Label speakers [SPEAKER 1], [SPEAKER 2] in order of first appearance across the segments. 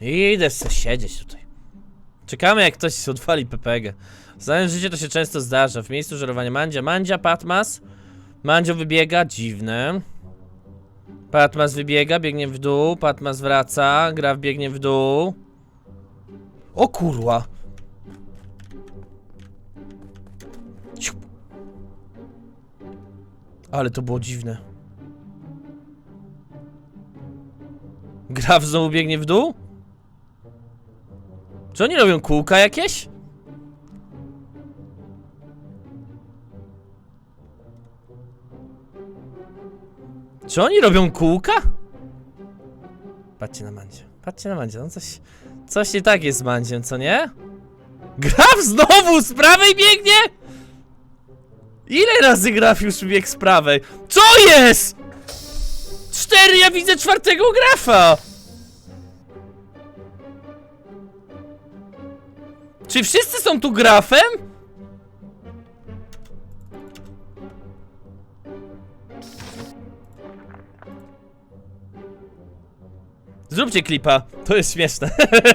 [SPEAKER 1] Idę se siedzieć tutaj. Czekamy, jak ktoś odwali PPG. W znanym życiu to się często zdarza. W miejscu żerowania Mandzia, Patmas. Mandzio wybiega, dziwne. Patmas wybiega, biegnie w dół. Patmas wraca, Graf biegnie w dół. O kurwa. Ciup. Ale to było dziwne. Graf znowu biegnie w dół? Czy oni robią kółka jakieś? Czy oni robią kółka? Patrzcie na Mandzie. Patrzcie na Mandzie. No coś nie tak jest z Mandziem, co nie? Graf znowu z prawej biegnie? Ile razy Graf już biegł z prawej? Co jest? 4, ja widzę 4. Grafa! Czy wszyscy są tu Grafem? Zróbcie klipa, to jest śmieszne.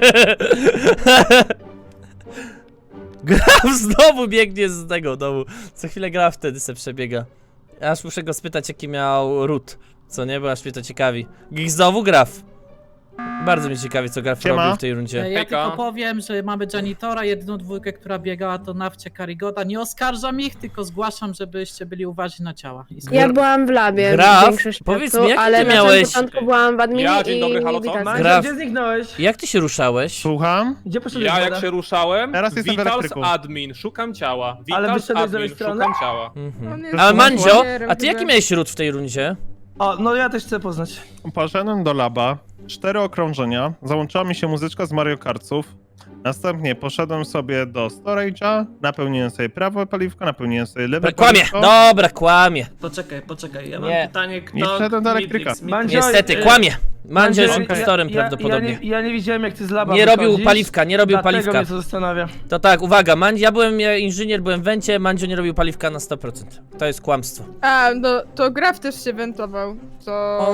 [SPEAKER 1] Graf znowu biegnie z tego domu. Co chwilę Graf wtedy se przebiega. Aż muszę go spytać, jaki miał ród. Co nie, bo aż mnie to ciekawi. Znowu Graf. Bardzo mnie ciekawi, co Graf robił w tej rundzie.
[SPEAKER 2] Ja tylko powiem, że mamy janitora, jedyną dwójkę, która biegała to Nawcie Karigoda. Nie oskarżam ich, tylko zgłaszam, żebyście byli uważni na ciała.
[SPEAKER 3] Ja byłam w labie.
[SPEAKER 1] Graf,
[SPEAKER 3] większość
[SPEAKER 1] powiedz
[SPEAKER 3] czasu,
[SPEAKER 1] mi, jak
[SPEAKER 3] ale
[SPEAKER 1] ty
[SPEAKER 3] na
[SPEAKER 1] miałeś...
[SPEAKER 3] samym początku byłam w adminie
[SPEAKER 4] Ja, dzień dobry,
[SPEAKER 3] i
[SPEAKER 4] halo,
[SPEAKER 3] nie
[SPEAKER 4] co?
[SPEAKER 3] widać.
[SPEAKER 5] Mandzio,
[SPEAKER 1] Graf.
[SPEAKER 5] gdzie zniknąłeś?
[SPEAKER 1] Jak ty się ruszałeś?
[SPEAKER 6] Słucham?
[SPEAKER 5] Gdzie poszedłeś?
[SPEAKER 4] Ja
[SPEAKER 5] Woda?
[SPEAKER 4] jak się ruszałem,
[SPEAKER 6] Teraz jestem w
[SPEAKER 4] Vitals
[SPEAKER 6] elektryku.
[SPEAKER 4] admin, szukam ciała.
[SPEAKER 5] Ale
[SPEAKER 4] Vitals
[SPEAKER 5] wyszedłeś z lewej
[SPEAKER 4] admin,
[SPEAKER 5] strony?
[SPEAKER 4] szukam ciała.
[SPEAKER 1] Ale Mandzio, a ty jaki miałeś ród w tej rundzie?
[SPEAKER 5] O, no ja też chcę poznać.
[SPEAKER 6] Poszedłem do laba, 4 okrążenia, załączyła mi się muzyczka z Mario Kartów. Następnie poszedłem sobie do storage'a, napełniłem sobie prawe paliwko, napełniłem sobie lewe
[SPEAKER 1] Kłamie,
[SPEAKER 6] paliwko.
[SPEAKER 1] dobra, kłamie.
[SPEAKER 7] Poczekaj, ja mam
[SPEAKER 1] Nie.
[SPEAKER 7] pytanie,
[SPEAKER 6] Nie
[SPEAKER 7] kto...
[SPEAKER 6] wszedłem do elektryka.
[SPEAKER 5] Mandzio,
[SPEAKER 1] Niestety, kłamie. Mandzio jest impostorem prawdopodobnie.
[SPEAKER 5] Ja nie widziałem, jak ty z laba
[SPEAKER 1] Nie robił
[SPEAKER 5] wychodzisz,
[SPEAKER 1] paliwka, nie robił
[SPEAKER 5] dlatego
[SPEAKER 1] paliwka.
[SPEAKER 5] mnie to zastanawia.
[SPEAKER 1] To tak, uwaga, ja byłem inżynier, byłem w wencie, Mandzio nie robił paliwka na 100%. To jest kłamstwo.
[SPEAKER 8] A, no to Graf też się wentował. To...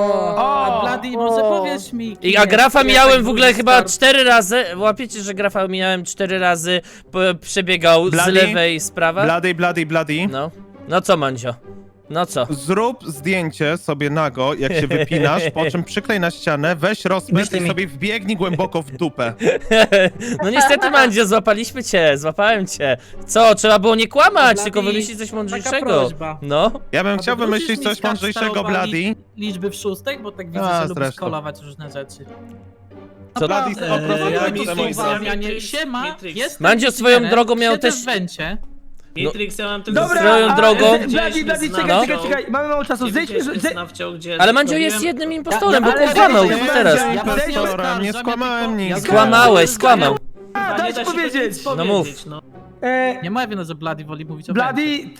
[SPEAKER 2] O, Bloody, może powiesz mi...
[SPEAKER 1] A Grafa
[SPEAKER 2] jak
[SPEAKER 1] mijałem
[SPEAKER 2] tak
[SPEAKER 1] w ogóle
[SPEAKER 2] był
[SPEAKER 1] chyba
[SPEAKER 2] start?
[SPEAKER 1] 4 razy. Łapiecie, że Grafa mijałem 4 razy, przebiegał z
[SPEAKER 6] Bloody?
[SPEAKER 1] lewej z prawa?
[SPEAKER 6] Bloody.
[SPEAKER 1] No. No co, Mandzio? No co?
[SPEAKER 6] Zrób zdjęcie sobie nago, jak się wypinasz, po czym przyklej na ścianę, weź rozpęd i sobie wbiegnij głęboko w dupę.
[SPEAKER 1] No niestety, Mandzio, złapałem cię. Co, trzeba było nie kłamać,
[SPEAKER 2] Bloody,
[SPEAKER 1] tylko wymyślić coś
[SPEAKER 2] taka
[SPEAKER 1] mądrzejszego.
[SPEAKER 2] prośba.
[SPEAKER 1] No.
[SPEAKER 6] Ja bym
[SPEAKER 2] A
[SPEAKER 6] chciał
[SPEAKER 2] wywrócisz
[SPEAKER 6] wymyślić
[SPEAKER 2] mi
[SPEAKER 6] coś
[SPEAKER 2] skacz
[SPEAKER 6] mądrzejszego,
[SPEAKER 2] starowali
[SPEAKER 6] Bloody.
[SPEAKER 2] Liczby w szóstek, bo tak widzę,
[SPEAKER 6] A,
[SPEAKER 2] że lubisz
[SPEAKER 6] zresztą.
[SPEAKER 2] kolować różne rzeczy.
[SPEAKER 1] Co?
[SPEAKER 6] Bloody
[SPEAKER 2] Naprawdę,
[SPEAKER 6] 100%
[SPEAKER 7] ja
[SPEAKER 6] tak
[SPEAKER 7] mi
[SPEAKER 6] samo
[SPEAKER 7] tu
[SPEAKER 6] jest.
[SPEAKER 7] uważam.
[SPEAKER 2] Siema,
[SPEAKER 7] Matrix.
[SPEAKER 2] jestem
[SPEAKER 1] Mandzio swoją
[SPEAKER 2] inżynierem,
[SPEAKER 1] drogą miał
[SPEAKER 2] siedzę
[SPEAKER 1] też-
[SPEAKER 2] w wencie.
[SPEAKER 7] Matrix, ja mam tylko...
[SPEAKER 5] Dobra,
[SPEAKER 1] Swoją drogą-
[SPEAKER 5] Bladi,
[SPEAKER 1] No.
[SPEAKER 5] czekaj, mamy mało czasu, zejdźmy,
[SPEAKER 1] Ale Mandzio jest jednym impostorem, bo
[SPEAKER 5] ale-
[SPEAKER 1] kłamał,
[SPEAKER 5] ale-
[SPEAKER 1] co teraz?
[SPEAKER 5] ale-
[SPEAKER 2] Ja was nie
[SPEAKER 6] Impostorem,
[SPEAKER 2] oskarżam,
[SPEAKER 6] nie
[SPEAKER 2] ja
[SPEAKER 6] skłamałem
[SPEAKER 2] tylko-
[SPEAKER 6] nic.
[SPEAKER 2] ja
[SPEAKER 1] Skłamałeś, skłamał.
[SPEAKER 5] Daj ci powiedzieć.
[SPEAKER 1] No mów.
[SPEAKER 2] Nie mówię, że Bloody woli mówić o wencie.
[SPEAKER 5] Bladi,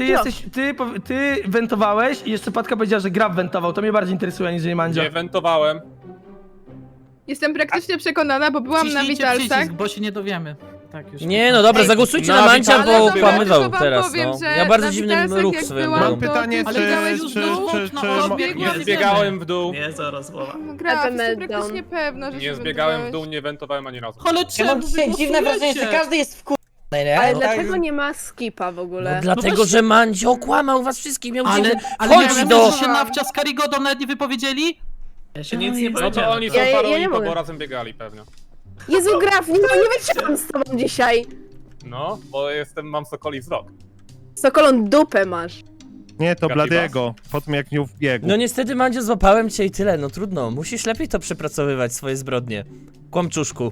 [SPEAKER 5] ty wentowałeś i jeszcze Patka powiedziała, że Graf wentował. To mnie bardziej interesuje niż Mandzio.
[SPEAKER 4] Nie wentowałem.
[SPEAKER 8] Jestem praktycznie przekonana, bo byłam na
[SPEAKER 2] Ciśnijcie
[SPEAKER 8] Witalsach.
[SPEAKER 2] przycisk, bo się nie dowiemy. Tak już.
[SPEAKER 1] Nie, no dobra,
[SPEAKER 3] Ej,
[SPEAKER 1] zagłosujcie
[SPEAKER 6] no,
[SPEAKER 1] na Mandzia,
[SPEAKER 6] ale
[SPEAKER 1] bo
[SPEAKER 6] dobra,
[SPEAKER 1] kłamywał
[SPEAKER 8] tylko wam
[SPEAKER 1] teraz,
[SPEAKER 8] powiem,
[SPEAKER 1] no.
[SPEAKER 8] że
[SPEAKER 1] Ja bardzo
[SPEAKER 8] na
[SPEAKER 1] dziwny
[SPEAKER 8] Witalsach,
[SPEAKER 1] ruch
[SPEAKER 8] jak
[SPEAKER 1] swoją
[SPEAKER 8] byłam,
[SPEAKER 1] drogą.
[SPEAKER 6] Mam pytanie,
[SPEAKER 2] Ale biegałeś już w dół? No,
[SPEAKER 8] biegłam
[SPEAKER 4] Nie
[SPEAKER 8] w
[SPEAKER 4] zbiegałem w dół.
[SPEAKER 7] Nie, zaraz mowa.
[SPEAKER 8] Graf, jestem
[SPEAKER 3] Meltdown.
[SPEAKER 8] praktycznie pewna, że
[SPEAKER 4] Nie
[SPEAKER 8] się
[SPEAKER 4] zbiegałem w
[SPEAKER 8] wentowałeś.
[SPEAKER 4] dół, nie wentowałem ani razu.
[SPEAKER 2] Ale
[SPEAKER 9] Ja
[SPEAKER 2] czemu
[SPEAKER 9] mam dzisiaj dziwne wrażenie, że każdy jest w nie?
[SPEAKER 3] Ale
[SPEAKER 1] No.
[SPEAKER 3] dlaczego nie ma skipa w ogóle?
[SPEAKER 1] No dlatego,
[SPEAKER 2] właśnie-
[SPEAKER 1] że Mandzio kłamał was wszystkich, miał
[SPEAKER 2] Ale,
[SPEAKER 1] gdzieś
[SPEAKER 2] ale
[SPEAKER 1] wchodzić
[SPEAKER 2] nie
[SPEAKER 1] do...
[SPEAKER 2] że się Nawcia z Karigodą nawet nie wypowiedzieli?
[SPEAKER 7] Ja się nic nie
[SPEAKER 4] No to
[SPEAKER 7] powiedziałem.
[SPEAKER 4] oni są
[SPEAKER 3] Ja nie
[SPEAKER 4] parą
[SPEAKER 3] mogę.
[SPEAKER 4] bo razem biegali pewnie.
[SPEAKER 3] Jezu, Graf, nie wytrzymam z tobą dzisiaj.
[SPEAKER 4] No, bo mam sokoli wzrok.
[SPEAKER 3] Sokolą dupę masz.
[SPEAKER 6] Nie, to
[SPEAKER 4] Gabibas.
[SPEAKER 6] Bladiego, po tym jak nie wbiegł.
[SPEAKER 1] No niestety, Mandzio, złapałem cię i tyle, no trudno. Musisz lepiej to przepracowywać, swoje zbrodnie. Kłamczuszku.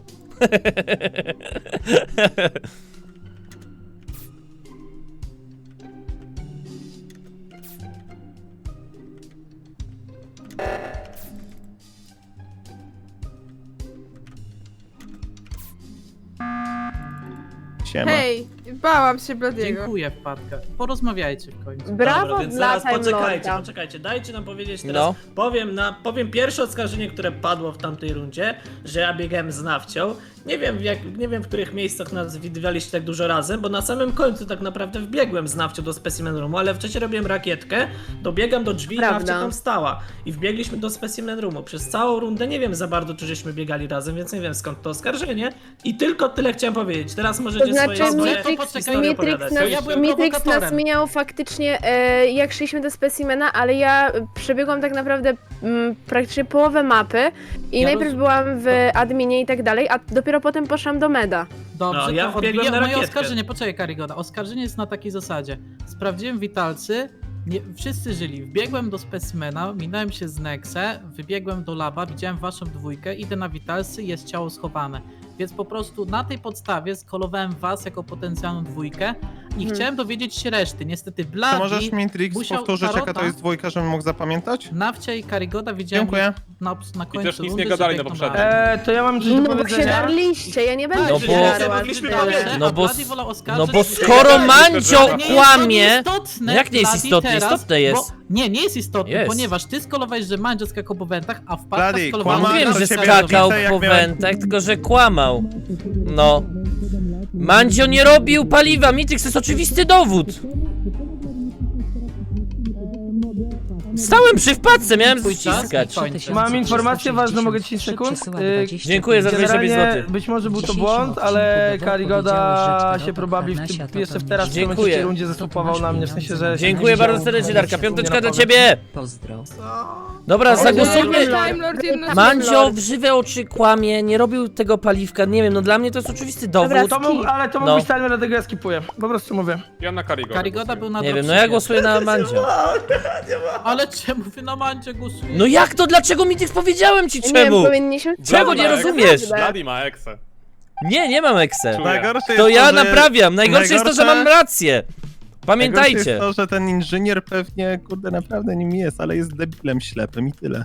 [SPEAKER 6] Siema.
[SPEAKER 8] Hej, bałam się Bladiego.
[SPEAKER 2] Dziękuję, Wpadka. Porozmawiajcie w końcu.
[SPEAKER 3] Brawo
[SPEAKER 7] Dobra, więc
[SPEAKER 3] dla
[SPEAKER 7] zaraz
[SPEAKER 3] Time
[SPEAKER 7] poczekajcie,
[SPEAKER 3] Lorda.
[SPEAKER 7] poczekajcie, dajcie nam powiedzieć teraz.
[SPEAKER 1] No.
[SPEAKER 7] Powiem pierwsze oskarżenie, które padło w tamtej rundzie, że ja biegałem z Nawcią Nie wiem w których miejscach nas widywaliście tak dużo razem, bo na samym końcu tak naprawdę wbiegłem z Nawcią do Specimen Roomu, ale wcześniej robiłem rakietkę, dobiegam do drzwi i
[SPEAKER 3] Prawda.
[SPEAKER 7] Nawcia tam stała. I wbiegliśmy do Specimen Roomu. Przez całą rundę nie wiem za bardzo, czy żeśmy biegali razem, więc nie wiem skąd to oskarżenie. I tylko tyle chciałem powiedzieć. Teraz możecie
[SPEAKER 3] To znaczy
[SPEAKER 7] swoje
[SPEAKER 2] Matrix-
[SPEAKER 7] historie opowiadać.
[SPEAKER 2] Ja byłem
[SPEAKER 3] Matrix nas
[SPEAKER 2] prowokatorem.
[SPEAKER 3] mijał faktycznie, jak szliśmy do specimena, ale ja przebiegłam tak naprawdę praktycznie połowę mapy i
[SPEAKER 2] Ja
[SPEAKER 3] najpierw byłam w adminie i tak dalej, a dopiero potem poszłam do meda.
[SPEAKER 2] Dobrze,
[SPEAKER 7] No, ja
[SPEAKER 2] to
[SPEAKER 7] wbiegłem
[SPEAKER 2] odbiję
[SPEAKER 7] na
[SPEAKER 2] moje
[SPEAKER 7] rakietkę.
[SPEAKER 2] oskarżenie. Poczekaj, Karigoda. Oskarżenie jest na takiej zasadzie. Sprawdziłem witalcy, nie, wszyscy żyli. Wbiegłem do specimena, minąłem się z Nexe, wybiegłem do laba, widziałem waszą dwójkę, idę na witalcy, jest ciało schowane. Więc po prostu na tej podstawie skolowałem was jako potencjalną dwójkę i chciałem dowiedzieć się reszty. Niestety
[SPEAKER 6] To
[SPEAKER 2] Bloody,
[SPEAKER 6] możesz mi Trix
[SPEAKER 2] musiał
[SPEAKER 6] powtórzyć, jaka to
[SPEAKER 2] Tarota-
[SPEAKER 6] jest dwójka, żebym mógł zapamiętać?
[SPEAKER 2] Nawcia i Karigoda widziałem
[SPEAKER 6] Dziękuję.
[SPEAKER 2] na końcu
[SPEAKER 4] też nic
[SPEAKER 2] rundy,
[SPEAKER 4] nie gadali
[SPEAKER 2] że
[SPEAKER 4] na
[SPEAKER 2] biegną
[SPEAKER 4] poprzednim.
[SPEAKER 2] razem.
[SPEAKER 5] To ja mam coś do
[SPEAKER 3] No bo się
[SPEAKER 5] powiedzenia.
[SPEAKER 3] darliście, ja nie będę
[SPEAKER 1] No
[SPEAKER 3] się
[SPEAKER 1] bo-
[SPEAKER 3] darła.
[SPEAKER 7] mogliśmy
[SPEAKER 3] tyle.
[SPEAKER 7] powiedzieć.
[SPEAKER 1] No bo-
[SPEAKER 2] Bloody wolał oskarżyć,
[SPEAKER 1] No bo
[SPEAKER 2] że-
[SPEAKER 1] skoro Mandzio
[SPEAKER 4] Ale
[SPEAKER 2] nie jest to
[SPEAKER 1] kłamie...
[SPEAKER 2] nieistotne,
[SPEAKER 1] No jak nie jest
[SPEAKER 2] Bloody,
[SPEAKER 1] istotne?
[SPEAKER 2] teraz,
[SPEAKER 1] Istotne jest.
[SPEAKER 2] Bo, nie jest istotne,
[SPEAKER 1] Jest.
[SPEAKER 2] ponieważ ty skolowałeś, że Mandzio skakał po wentach, a wpadka
[SPEAKER 6] Bloody,
[SPEAKER 2] skolowała...
[SPEAKER 6] kłamałem,
[SPEAKER 1] Mówiłem,
[SPEAKER 6] to
[SPEAKER 1] że
[SPEAKER 6] ciebie
[SPEAKER 1] skakał
[SPEAKER 6] widzę, jak
[SPEAKER 1] po
[SPEAKER 6] miałem-
[SPEAKER 1] wentach, tylko że kłamał. No. Mandzio nie robił paliwa, Mitrix to jest oczywisty dowód. Stałem przy wpadce, miałem
[SPEAKER 2] Twój czas
[SPEAKER 1] ściskać.
[SPEAKER 2] i kończę.
[SPEAKER 5] Mam informację ważną, mogę 10 sekund?
[SPEAKER 1] Dziękuję za 25
[SPEAKER 5] Generalnie
[SPEAKER 1] zł.
[SPEAKER 5] być może był to błąd, ale Karigoda się probabli jeszcze teraz w tym
[SPEAKER 1] Dziękuję.
[SPEAKER 5] momencie rundzie zasłupował na mnie, w sensie, że...
[SPEAKER 1] Dziękuję bardzo serdecznie, Darka. Piąteczka dla ciebie.
[SPEAKER 9] Pozdro.
[SPEAKER 1] Dobra, zagłosujmy.
[SPEAKER 8] Time Lord jedno
[SPEAKER 1] Mandzio w żywe oczy kłamie, nie robił tego paliwka, nie wiem, no dla mnie to jest oczywisty dowód.
[SPEAKER 5] To mógł, ale to mógł
[SPEAKER 1] No.
[SPEAKER 5] być timer, dlatego ja skipuję. Po prostu mówię.
[SPEAKER 4] Ja na Karigoda.
[SPEAKER 2] Karigoda był na
[SPEAKER 1] Nie wiem, no
[SPEAKER 2] dropshipie.
[SPEAKER 1] ja głosuję na Mandzio.
[SPEAKER 2] Ale czemu wy na Mandzie głosujecie?
[SPEAKER 1] No jak to? Dlaczego Mitrix powiedziałem ci
[SPEAKER 3] Nie wiem,
[SPEAKER 1] czemu?
[SPEAKER 3] powinniśmy...
[SPEAKER 1] Czego nie rozumiesz?
[SPEAKER 4] Bloody ma eksę.
[SPEAKER 1] Nie mam ekse.
[SPEAKER 4] Czuję.
[SPEAKER 6] Najgorsze
[SPEAKER 1] To
[SPEAKER 6] jest
[SPEAKER 1] ja
[SPEAKER 6] że-
[SPEAKER 1] naprawiam. Najgorsze jest to, że mam rację.
[SPEAKER 6] Najgorsze
[SPEAKER 1] Pamiętajcie.
[SPEAKER 6] jest to, że ten inżynier pewnie, kurde, naprawdę nim jest, ale jest debilem ślepym i tyle.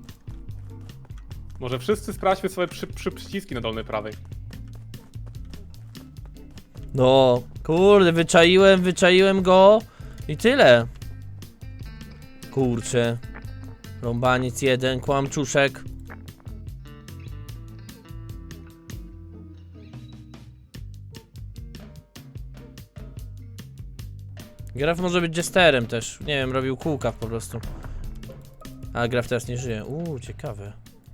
[SPEAKER 4] Może wszyscy sprawdźmy swoje przyciski na dolnej prawej.
[SPEAKER 1] No, kurde, wyczaiłem go i tyle. Kurczę. Rąbaniec jeden, kłamczuszek. Graf może być jesterem też. Nie wiem, robił kółka po prostu. A Graf teraz nie żyje. Ciekawe.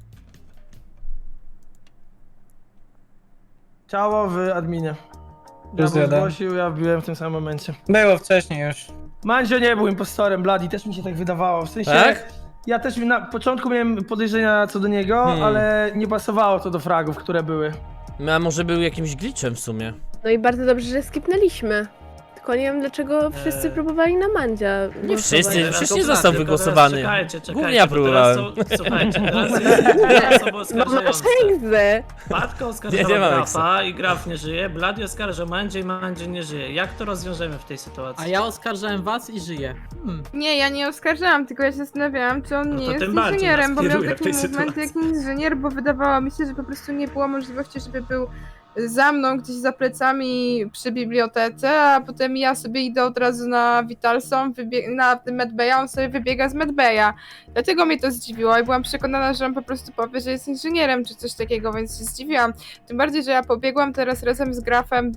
[SPEAKER 5] Ciało w adminie.
[SPEAKER 9] Plus
[SPEAKER 5] Ja
[SPEAKER 9] jeden.
[SPEAKER 5] zgłosił, ja wbiłem w tym samym momencie.
[SPEAKER 9] Było wcześniej już.
[SPEAKER 5] Mandzio nie był impostorem, Bloody, też mi się tak wydawało. W sensie,
[SPEAKER 1] Tak?
[SPEAKER 5] ja też na początku miałem podejrzenia co do niego, ale nie pasowało to do fragów, które były.
[SPEAKER 1] A może był jakimś glitchem w sumie.
[SPEAKER 3] No i bardzo dobrze, że skipnęliśmy. Tylko nie wiem, dlaczego wszyscy próbowali na Mandzia
[SPEAKER 1] Nie
[SPEAKER 3] głosować.
[SPEAKER 1] wszyscy.
[SPEAKER 7] Tylko
[SPEAKER 1] Wcześniej
[SPEAKER 7] Bloody,
[SPEAKER 1] został
[SPEAKER 7] tylko
[SPEAKER 1] wygłosowany.
[SPEAKER 7] teraz Czekajcie,
[SPEAKER 1] Głównie ja
[SPEAKER 7] bo
[SPEAKER 1] próbowałem.
[SPEAKER 7] teraz słuchajcie, teraz jest osoba
[SPEAKER 3] No masz
[SPEAKER 7] oskarżająca.
[SPEAKER 3] egzę.
[SPEAKER 7] Patka
[SPEAKER 1] Nie
[SPEAKER 7] oskarżała
[SPEAKER 1] mam
[SPEAKER 7] Grafa i Graf nie żyje, Bloody oskarża Mandzie i Mandzie nie żyje. Jak to rozwiążemy w tej sytuacji?
[SPEAKER 2] A ja oskarżałem was i żyję.
[SPEAKER 8] Nie, ja nie oskarżałam, tylko ja się zastanawiałam, czy on
[SPEAKER 7] No
[SPEAKER 8] nie
[SPEAKER 7] to
[SPEAKER 8] jest
[SPEAKER 7] tym bardziej
[SPEAKER 8] inżynierem, bo
[SPEAKER 7] nas
[SPEAKER 8] miał
[SPEAKER 7] kieruje w
[SPEAKER 8] taki
[SPEAKER 7] tej
[SPEAKER 8] movement jak
[SPEAKER 7] sytuacji.
[SPEAKER 8] inżynier, bo wydawało mi się, że po prostu nie było możliwości, żeby był za mną gdzieś za plecami przy bibliotece, a potem ja sobie idę od razu na Vitalson, na Medbaya, on sobie wybiega z Medbaya. Dlatego mnie to zdziwiło i byłam przekonana, że on po prostu powie, że jest inżynierem czy coś takiego, więc się zdziwiłam. Tym bardziej, że ja pobiegłam teraz razem z Grafem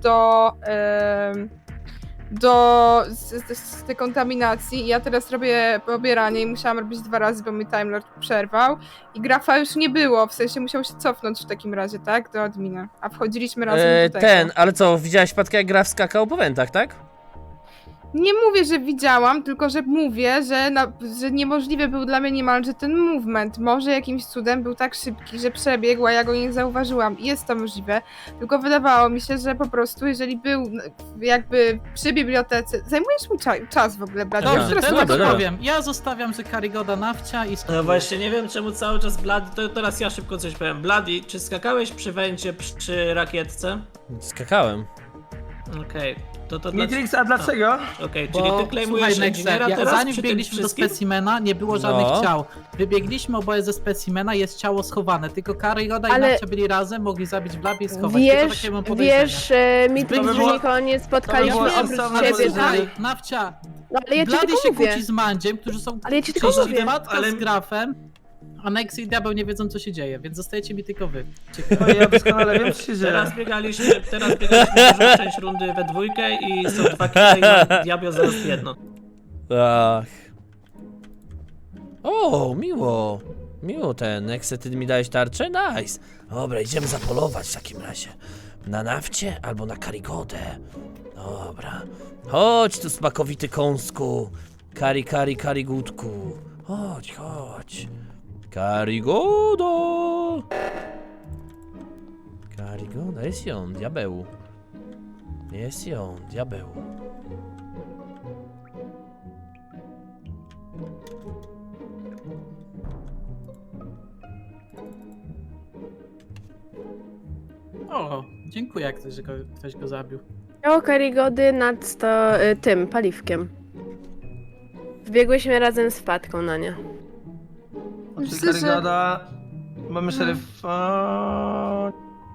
[SPEAKER 8] z dekontaminacji i ja teraz robię pobieranie i musiałam robić 2 razy, bo mi Time Lord przerwał i Grafa już nie było, w sensie musiał się cofnąć w takim razie, tak? Do admina, a wchodziliśmy razem do tego.
[SPEAKER 1] Ale co, widziałeś Patkę jak Graf skakał po wentach, tak?
[SPEAKER 8] Nie mówię, że widziałam, tylko że mówię, że niemożliwy był dla mnie niemalże ten movement. Może jakimś cudem był tak szybki, że przebiegł, a ja go nie zauważyłam. Jest to możliwe, tylko wydawało mi się, że po prostu, jeżeli był jakby przy bibliotece... Zajmujesz mi czas w ogóle, Brad.
[SPEAKER 2] Dobrze,
[SPEAKER 8] Już teraz
[SPEAKER 2] teraz
[SPEAKER 1] dobra,
[SPEAKER 2] tak
[SPEAKER 1] dobra.
[SPEAKER 2] powiem. Ja zostawiam, że Karigoda nawcia i
[SPEAKER 7] No właśnie, nie wiem czemu cały czas Bloody, to teraz ja szybko coś powiem. Bloody, czy skakałeś przy węcie przy rakietce?
[SPEAKER 1] Skakałem.
[SPEAKER 7] Okej, to
[SPEAKER 5] Mitrix, a dlaczego?
[SPEAKER 7] Okej, czyli
[SPEAKER 2] Bo,
[SPEAKER 7] ty claimujesz
[SPEAKER 2] słuchaj, Nexe,
[SPEAKER 7] inżyniera teraz
[SPEAKER 2] zanim
[SPEAKER 7] przy tym
[SPEAKER 2] wbiegliśmy do
[SPEAKER 7] wszystkim?
[SPEAKER 2] specimena, nie było żadnych
[SPEAKER 1] No.
[SPEAKER 2] ciał. Wybiegliśmy oboje ze specimena, jest ciało schowane. Tylko Karigoda i
[SPEAKER 3] Ale-
[SPEAKER 2] nawcia byli razem, mogli zabić Blabie i schować. Tylko takie mam podejrzenie.
[SPEAKER 3] Wiesz, Mitrix,
[SPEAKER 5] To by
[SPEAKER 3] że
[SPEAKER 5] było-
[SPEAKER 3] nikogo nie spotkaliśmy
[SPEAKER 5] było
[SPEAKER 3] oprócz
[SPEAKER 5] sensowne
[SPEAKER 3] ciebie,
[SPEAKER 5] podejrzenie.
[SPEAKER 3] tak?
[SPEAKER 2] Nawcia,
[SPEAKER 3] No ale ja ci
[SPEAKER 2] Blady
[SPEAKER 3] tylko
[SPEAKER 2] się
[SPEAKER 3] mówię.
[SPEAKER 2] kłóci z Mandziem, którzy są
[SPEAKER 3] Ale ja ci tylko
[SPEAKER 2] czyści.
[SPEAKER 3] mówię.
[SPEAKER 2] Matka
[SPEAKER 7] Ale-
[SPEAKER 2] z Grafem. a Nex i Diabeł nie wiedzą co się dzieje, więc zostajecie mi tylko wy.
[SPEAKER 5] No ja doskonale wiem, co się dzieje.
[SPEAKER 7] Teraz biegaliśmy dużą część rundy we dwójkę i są 2 kile i Diablo zaraz jedno.
[SPEAKER 1] Ach. O, miło. Miło ten. Nexe, ty mi dałeś tarczę? Nice. Dobra, idziemy zapolować w takim razie. Na nafcie albo na Karigodę. Dobra. Chodź tu, smakowity kąsku. Karigutku. Chodź. Karigoda. Karigoda, jest ją, diabeł. Jest ją, diabeł.
[SPEAKER 2] O, dziękuję, jak ktoś go zabił.
[SPEAKER 3] Ciało Karigody nad tym paliwkiem. Wbiegłyśmy razem z Patką na nie.
[SPEAKER 5] Czyli
[SPEAKER 8] Myślę, że-
[SPEAKER 5] Karygoda, mamy szeryfa...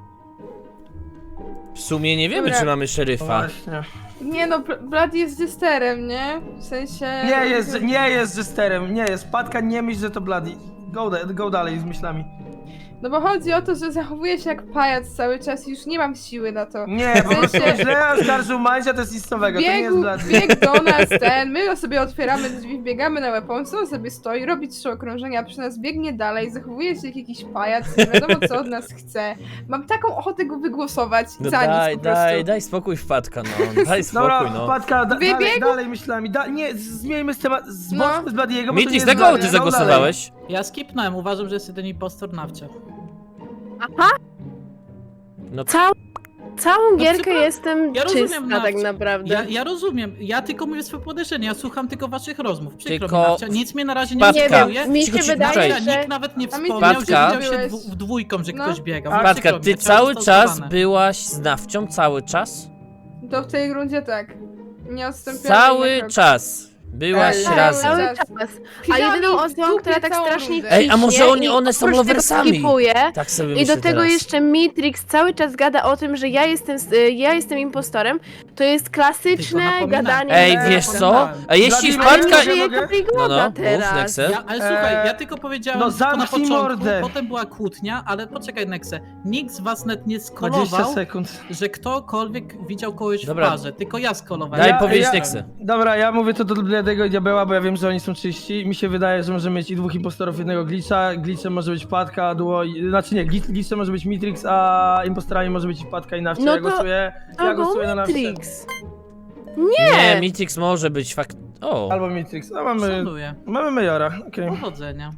[SPEAKER 1] W sumie nie wiemy,
[SPEAKER 8] Dobra.
[SPEAKER 1] czy mamy szeryfa.
[SPEAKER 5] Właśnie.
[SPEAKER 8] Nie no, Bloody jest jesterem, nie? W sensie...
[SPEAKER 5] Nie jest jesterem, nie jest. Patka, nie myśl, że to Bloody. Go dalej z myślami.
[SPEAKER 8] No bo chodzi o to, że zachowuję się jak pajac cały czas i już nie mam siły na to.
[SPEAKER 5] Nie, po prostu
[SPEAKER 8] sensie-
[SPEAKER 5] źle oskarżył Mandzia, to jest nic nowego, to nie jest Bloody.
[SPEAKER 8] Biegł do nas my sobie otwieramy drzwi, wbiegamy na weapons, on sobie stoi, robi 3 okrążenia, przy nas biegnie dalej, zachowuje się jak jakiś pajac, nie wiadomo co od nas chce. Mam taką ochotę go wygłosować
[SPEAKER 1] No
[SPEAKER 8] za nic po prostu.
[SPEAKER 1] daj spokój wpadka, no. Daj spokój,
[SPEAKER 5] Dobra,
[SPEAKER 1] no.
[SPEAKER 5] Patka,
[SPEAKER 8] Wybiegł?
[SPEAKER 5] dalej myślami. Nie, zmieńmy z temat, z
[SPEAKER 8] No.
[SPEAKER 5] z Bloody'ego, bo to nie
[SPEAKER 1] Mitrix,
[SPEAKER 5] jest
[SPEAKER 1] na kogo
[SPEAKER 5] Bloody.
[SPEAKER 1] ty
[SPEAKER 5] Go
[SPEAKER 1] zagłosowałeś?
[SPEAKER 2] Ja skipnąłem, uważam, że jest jeden impostor nafcie.
[SPEAKER 3] Aha!
[SPEAKER 1] No
[SPEAKER 3] Całą gierkę
[SPEAKER 2] przepraszam,
[SPEAKER 3] jestem
[SPEAKER 2] ja rozumiem
[SPEAKER 3] czysta
[SPEAKER 2] nafcie.
[SPEAKER 3] tak naprawdę.
[SPEAKER 2] Ja rozumiem, ja tylko mówię swoje podejrzenie, ja słucham tylko waszych rozmów. Przykro
[SPEAKER 1] Tylko-
[SPEAKER 2] mi, Nafcia, nic mnie na razie nie
[SPEAKER 1] Patka.
[SPEAKER 3] Nie
[SPEAKER 2] wskazuje.
[SPEAKER 3] wiem, mi się
[SPEAKER 1] Cicho,
[SPEAKER 3] wydaje,
[SPEAKER 2] Nafcia,
[SPEAKER 3] że...
[SPEAKER 2] nikt nawet nie
[SPEAKER 8] A mi
[SPEAKER 2] wspomniał, że
[SPEAKER 1] Patka.
[SPEAKER 2] widział się
[SPEAKER 8] Byłeś-
[SPEAKER 2] w dwójką, że
[SPEAKER 8] No.
[SPEAKER 2] ktoś biegał.
[SPEAKER 5] A,
[SPEAKER 2] Przykro
[SPEAKER 1] Patka,
[SPEAKER 2] mi,
[SPEAKER 1] ty
[SPEAKER 2] ja chciałem
[SPEAKER 1] cały
[SPEAKER 2] zostać
[SPEAKER 1] czas
[SPEAKER 2] zbadane.
[SPEAKER 1] byłaś z nafcią? Cały czas?
[SPEAKER 8] To w tej rundzie tak. Nie odstąpiłam
[SPEAKER 1] Cały
[SPEAKER 8] ani na krok.
[SPEAKER 1] czas. Byłaś
[SPEAKER 8] Tak,
[SPEAKER 1] razem.
[SPEAKER 3] Cały
[SPEAKER 8] Czas.
[SPEAKER 3] czas. A
[SPEAKER 8] Siedziałam
[SPEAKER 3] jedyną
[SPEAKER 8] i w
[SPEAKER 3] osobą,
[SPEAKER 8] dupie
[SPEAKER 3] która tak
[SPEAKER 8] całą
[SPEAKER 3] strasznie
[SPEAKER 8] rundę.
[SPEAKER 1] Ej, a może
[SPEAKER 3] ciśnie
[SPEAKER 1] oni-
[SPEAKER 3] i
[SPEAKER 1] one są
[SPEAKER 3] oprócz tego
[SPEAKER 1] loversami?
[SPEAKER 3] skipuje,
[SPEAKER 1] Tak sobie
[SPEAKER 3] I
[SPEAKER 1] myślę
[SPEAKER 3] do tego
[SPEAKER 1] teraz.
[SPEAKER 3] jeszcze Mitrix cały czas gada o tym, że ja jestem impostorem. To jest klasyczne
[SPEAKER 2] Tylko napominam.
[SPEAKER 3] gadanie.
[SPEAKER 1] Ej,
[SPEAKER 2] Nie,
[SPEAKER 1] wiesz co?
[SPEAKER 2] zapomniałem.
[SPEAKER 1] A jeśli
[SPEAKER 5] Dla mnie
[SPEAKER 3] Ale
[SPEAKER 1] wpadka...
[SPEAKER 3] nie żyje
[SPEAKER 5] mogę?
[SPEAKER 3] Kaprigoda
[SPEAKER 1] No, mów,
[SPEAKER 3] teraz.
[SPEAKER 1] Nexe.
[SPEAKER 2] Ale słuchaj, ja tylko powiedziałem
[SPEAKER 5] no
[SPEAKER 2] to na
[SPEAKER 5] zamknij
[SPEAKER 2] początku,
[SPEAKER 5] mordę.
[SPEAKER 2] potem była kłótnia, ale poczekaj Nexe, nikt z was net nie
[SPEAKER 5] 20
[SPEAKER 2] skolował,
[SPEAKER 5] sekund.
[SPEAKER 2] że ktokolwiek widział kogoś
[SPEAKER 1] Dobra.
[SPEAKER 2] w parze, tylko ja skolowałem.
[SPEAKER 1] Daj powiedzieć
[SPEAKER 5] ja-
[SPEAKER 1] Nexe.
[SPEAKER 5] Dobra, ja mówię to do Bloody'ego i Diabeła, bo ja wiem, że oni są czyści. Mi się wydaje, że możemy mieć i 2 impostorów, jednego glitcha. Glitchem może być Patka, duo... Znaczy nie, glitchem może być Mitrix, a impostorami może być i Patka i Nafcia.
[SPEAKER 3] No
[SPEAKER 5] Ja
[SPEAKER 3] to-
[SPEAKER 5] głosuję na Nafcie.
[SPEAKER 3] Mitrix.
[SPEAKER 1] Nie, Mitrix może być fakt... O,
[SPEAKER 5] Albo Mitrix. No mamy...
[SPEAKER 2] Szanuję.
[SPEAKER 5] Mamy Majora, okej.
[SPEAKER 2] Powodzenia.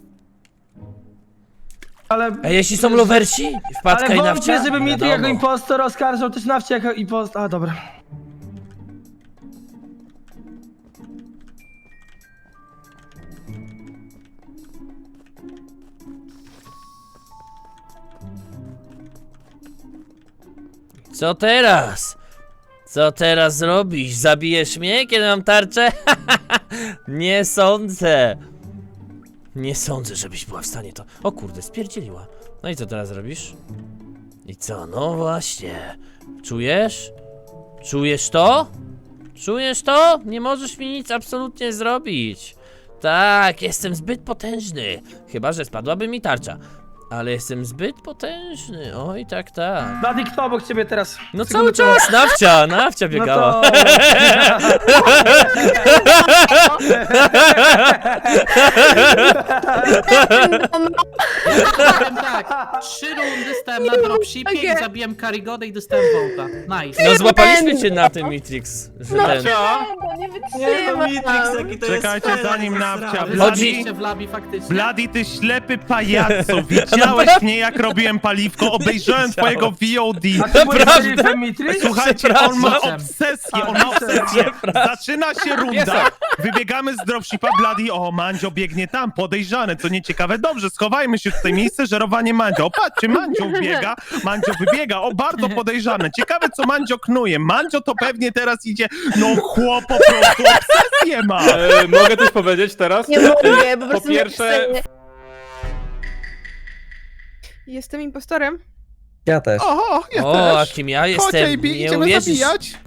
[SPEAKER 5] Ale...
[SPEAKER 1] a jeśli są lowersi? Wpadka
[SPEAKER 5] Ale
[SPEAKER 1] i
[SPEAKER 5] wątpię,
[SPEAKER 1] nafcia?
[SPEAKER 5] żeby Mitrix
[SPEAKER 1] Wiadomo.
[SPEAKER 5] jako impostor oskarżał też Nafcie jako impostor. A, dobra.
[SPEAKER 1] Co teraz? Co teraz zrobisz? Zabijesz mnie, kiedy mam tarczę? Nie sądzę. Nie sądzę, żebyś była w stanie to... O kurde, spierdzieliła. No i co teraz robisz? I co? No właśnie. Czujesz? Czujesz to? Czujesz to? Nie możesz mi nic absolutnie zrobić. Tak, jestem zbyt potężny. Chyba że spadłaby mi tarcza. Ale jestem zbyt potężny. Oj, tak, tak.
[SPEAKER 5] Blady, kto obok ciebie teraz?
[SPEAKER 1] No
[SPEAKER 5] Sekundę
[SPEAKER 1] cały czas, Nafcia biegała.
[SPEAKER 5] No to...
[SPEAKER 2] Powiem tak, 3 rundy stałem na dropshipie i
[SPEAKER 3] Okej.
[SPEAKER 2] zabiłem Karigodę i dostałem vołta. Nice.
[SPEAKER 1] No złapaliśmy cię na tym, Mitrix. Że ten...
[SPEAKER 3] Nie
[SPEAKER 7] Nie no, Mitrix,
[SPEAKER 3] wytrzymam.
[SPEAKER 7] jaki to jest
[SPEAKER 6] Czekajcie,
[SPEAKER 7] fajny
[SPEAKER 6] zanim
[SPEAKER 7] srawy.
[SPEAKER 6] Nafcia
[SPEAKER 1] Chodzi-
[SPEAKER 2] Zabiście w labi faktycznie.
[SPEAKER 6] Bloody, ty ślepy pajacu, widziałeś mnie jak robiłem paliwko, obejrzałem twojego VOD.
[SPEAKER 5] A ty byłeś
[SPEAKER 1] Naprawdę?
[SPEAKER 5] szeryfem Mitrix?
[SPEAKER 6] Słuchajcie, on ma
[SPEAKER 2] Przepraszam.
[SPEAKER 6] obsesję, on ma obsesję. Zaczyna się runda, wybiegamy z dropshipa, Bloody, o, Mandzio biegnie tam, podejrzane, co nieciekawe. Dobrze, schowajmy się tutaj, miejsce żerowanie Mandzio. O, patrzcie, Mandzio biega, Mandzio wybiega, o, bardzo podejrzane. Ciekawe, co Mandzio knuje. Mandzio to pewnie teraz idzie, no chłop po prostu obsesję ma.
[SPEAKER 4] Mogę coś powiedzieć teraz?
[SPEAKER 3] Nie mogę, po prostu
[SPEAKER 4] pierwsze-
[SPEAKER 3] nie-
[SPEAKER 8] Jestem impostorem.
[SPEAKER 9] Ja też.
[SPEAKER 6] O, ja
[SPEAKER 1] O, a
[SPEAKER 6] też.
[SPEAKER 1] kim ja
[SPEAKER 6] Chodź,
[SPEAKER 1] jestem?
[SPEAKER 6] AB,
[SPEAKER 1] Nie
[SPEAKER 6] idziemy
[SPEAKER 1] uwierzysz.
[SPEAKER 6] zabijać.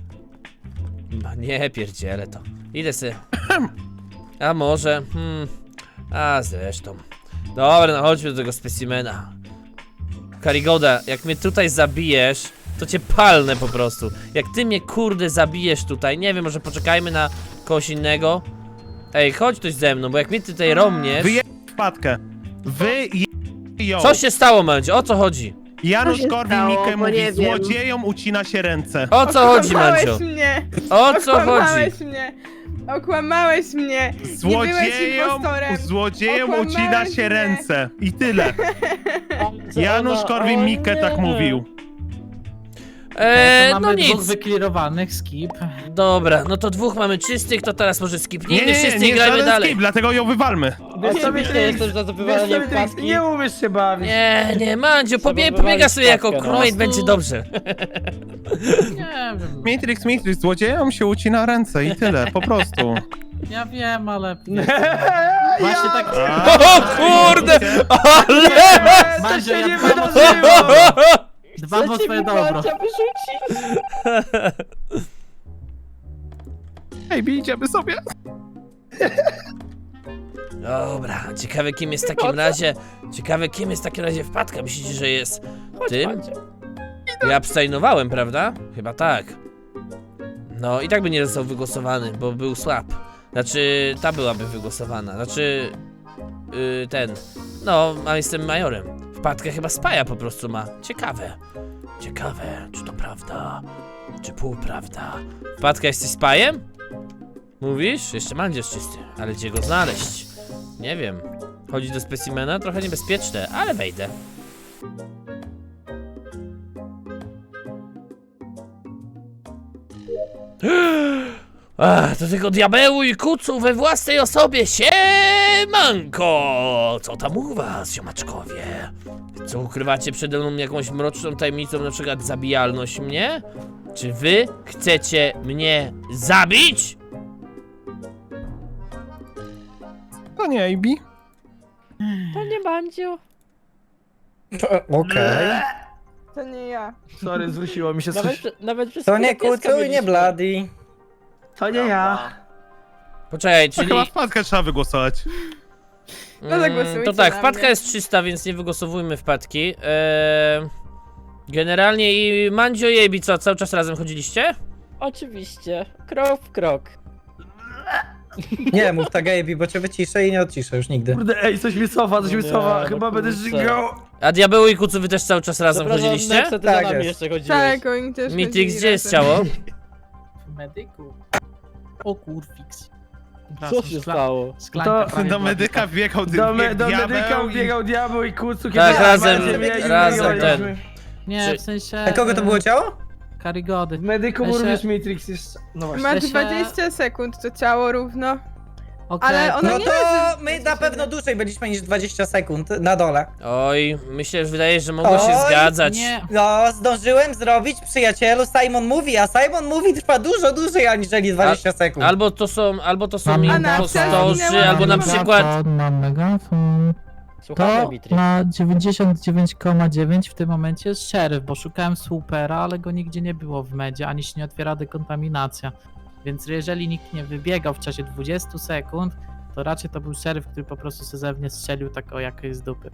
[SPEAKER 1] Nie pierdzielę to. Idę sobie. A może, A zresztą. Dobra, no chodźmy do tego specimena. Karigoda, jak mnie tutaj zabijesz, to cię palnę po prostu. Jak ty mnie kurde zabijesz tutaj, nie wiem, może poczekajmy na kogoś innego. Ej, chodź ktoś ze mną, bo jak mnie tutaj romniesz...
[SPEAKER 6] Wpadkę. ją.
[SPEAKER 1] Co się stało, Mandzio? O co chodzi?
[SPEAKER 6] Janusz
[SPEAKER 3] Co się
[SPEAKER 6] Korwin-Mikke
[SPEAKER 3] stało? Bo
[SPEAKER 6] mówi,
[SPEAKER 3] nie wiem.
[SPEAKER 6] złodziejom ucina się ręce.
[SPEAKER 1] O co chodzi, Mandzio?
[SPEAKER 8] Okłamałeś mnie!
[SPEAKER 1] O co chodzi?
[SPEAKER 8] Okłamałeś mnie! Okłamałeś mnie! Nie byłeś impostorem!
[SPEAKER 6] Złodziejom
[SPEAKER 8] Okłamałeś
[SPEAKER 6] ucina się
[SPEAKER 8] mnie.
[SPEAKER 6] ręce. I tyle. Janusz Korwin-Mikke tak mówił.
[SPEAKER 2] To
[SPEAKER 1] No
[SPEAKER 2] mamy dwóch
[SPEAKER 1] nic.
[SPEAKER 2] wyklirowanych, skip.
[SPEAKER 1] Dobra, no to dwóch mamy czystych, to teraz może skipnijmy wszyscy i
[SPEAKER 6] nie
[SPEAKER 1] grajmy
[SPEAKER 6] żaden
[SPEAKER 1] dalej.
[SPEAKER 6] skip, dlatego ją wywalmy.
[SPEAKER 5] Wiesz co, Mitrix? Wiesz co, Mitrix? Nie umiesz się bawić.
[SPEAKER 1] Nie, Mandzio, pobiega sobie jako crewmate, będzie dobrze.
[SPEAKER 2] Nie wiem,
[SPEAKER 6] Matrix, złodziejom się ucina ręce i tyle, po prostu.
[SPEAKER 2] ja wiem, ale... Właśnie tak...
[SPEAKER 1] O kurde, ale...
[SPEAKER 2] Mandzio,
[SPEAKER 5] się
[SPEAKER 2] ja
[SPEAKER 5] nie
[SPEAKER 2] dbam o
[SPEAKER 5] wydarzyło!
[SPEAKER 2] Dbam o swoje dobro.
[SPEAKER 6] Ej, idziemy sobie.
[SPEAKER 1] Dobra, ciekawe kim jest w takim razie... Ciekawe kim jest w takim razie Wpadka, myślicie, że jest tym? Ja abstainowałem, prawda? Chyba tak. No i tak by nie został wygłosowany, bo był słab. Znaczy, ta byłaby wygłosowana. Znaczy, ten. No, a jestem majorem. Wpadkę chyba spaja po prostu ma. Ciekawe. Ciekawe, czy to prawda, czy półprawda. Wpadka, jesteś spajem? Mówisz? Jeszcze Mandzio jest czysty, ale gdzie go znaleźć? Nie wiem. Chodzi do specimena? Trochę niebezpieczne, ale wejdę. Ach, do tego diabełu i kucu we własnej osobie. Siemanko! Co tam u was, ziomaczkowie? Co ukrywacie przede mną jakąś mroczną tajemnicą, na przykład zabijalność mnie? Czy wy chcecie mnie zabić?
[SPEAKER 6] To nie, AB.
[SPEAKER 3] To nie Mandzio.
[SPEAKER 9] Okej.
[SPEAKER 8] To nie ja.
[SPEAKER 5] Sorry, zwróciło mi się coś.
[SPEAKER 9] To nie Kucu i nie Bloody.
[SPEAKER 5] To nie ja.
[SPEAKER 1] Poczekaj,
[SPEAKER 6] To
[SPEAKER 1] czyli...
[SPEAKER 6] chyba Wpadkę trzeba wygłosować.
[SPEAKER 8] No zagłosujcie
[SPEAKER 1] to tak,
[SPEAKER 8] na
[SPEAKER 1] wpadka
[SPEAKER 8] mnie.
[SPEAKER 1] jest 300, więc nie wygłosowujmy wpadki. Generalnie i Mandzio i Ebi, co, cały czas razem chodziliście?
[SPEAKER 10] Oczywiście, krok w krok.
[SPEAKER 9] Nie mów tak, Gabi, bo cię wyciszę i nie odciszę już nigdy.
[SPEAKER 5] Kurde, ej, coś mi cofa, coś mi
[SPEAKER 10] Nie,
[SPEAKER 5] cofa.
[SPEAKER 10] no
[SPEAKER 5] Chyba będę
[SPEAKER 10] kurczę.
[SPEAKER 5] żygał.
[SPEAKER 1] A diabeł i kucu wy też cały czas razem chodziliście?
[SPEAKER 10] Nexa, ty
[SPEAKER 9] Tak
[SPEAKER 10] za nami
[SPEAKER 9] jest.
[SPEAKER 10] jeszcze chodziłeś.
[SPEAKER 8] Tak, oni też
[SPEAKER 1] Mitrix,
[SPEAKER 8] chodzili
[SPEAKER 1] gdzie jest
[SPEAKER 8] razem.
[SPEAKER 1] ciało?
[SPEAKER 2] W medyku. O kurfix.
[SPEAKER 10] Co się stało?
[SPEAKER 2] Szklanka
[SPEAKER 5] To-
[SPEAKER 2] prawie
[SPEAKER 6] Do
[SPEAKER 2] była
[SPEAKER 6] medyka
[SPEAKER 2] pusta.
[SPEAKER 6] wbiegał
[SPEAKER 5] Do
[SPEAKER 6] diabeł
[SPEAKER 5] medyka
[SPEAKER 6] i-
[SPEAKER 5] biegał diabeł i kucu, kiedy
[SPEAKER 1] Tak, razem-
[SPEAKER 5] razem
[SPEAKER 1] ten.
[SPEAKER 2] Nie,
[SPEAKER 1] Czy-
[SPEAKER 2] w sensie...
[SPEAKER 9] A kogo to było ciało?
[SPEAKER 2] Karigody.
[SPEAKER 5] W medyku
[SPEAKER 2] Ja się-
[SPEAKER 5] również Matrix jest. No właśnie.
[SPEAKER 8] Ma
[SPEAKER 2] Ja się-
[SPEAKER 8] 20 sekund to ciało równo.
[SPEAKER 2] Okej.
[SPEAKER 8] Ale ona
[SPEAKER 9] No
[SPEAKER 8] nie
[SPEAKER 9] to
[SPEAKER 8] leży.
[SPEAKER 9] my na pewno dłużej byliśmy niż 20 sekund na dole.
[SPEAKER 1] Oj, myślę, że wydaje, że mogło się
[SPEAKER 9] Oj,
[SPEAKER 1] zgadzać.
[SPEAKER 2] Nie.
[SPEAKER 9] No, zdążyłem zrobić, przyjacielu, Simon mówi, a Simon mówi trwa dużo dłużej aniżeli 20 sekund.
[SPEAKER 1] Albo to są
[SPEAKER 2] Mam
[SPEAKER 1] impostorzy,
[SPEAKER 8] megafon.
[SPEAKER 1] albo na
[SPEAKER 8] Mam
[SPEAKER 1] przykład...
[SPEAKER 2] Mam megafon.
[SPEAKER 10] Słuchamy,
[SPEAKER 2] To
[SPEAKER 10] Mitrix.
[SPEAKER 2] na 99,9 w tym momencie jest szeryf, bo szukałem supera, ale go nigdzie nie było w medzie, ani się nie otwiera dekontaminacja. Więc jeżeli nikt nie wybiegał w czasie 20 sekund, to raczej to był szeryf, który po prostu se ze mnie strzelił tak o jakiej z dupy.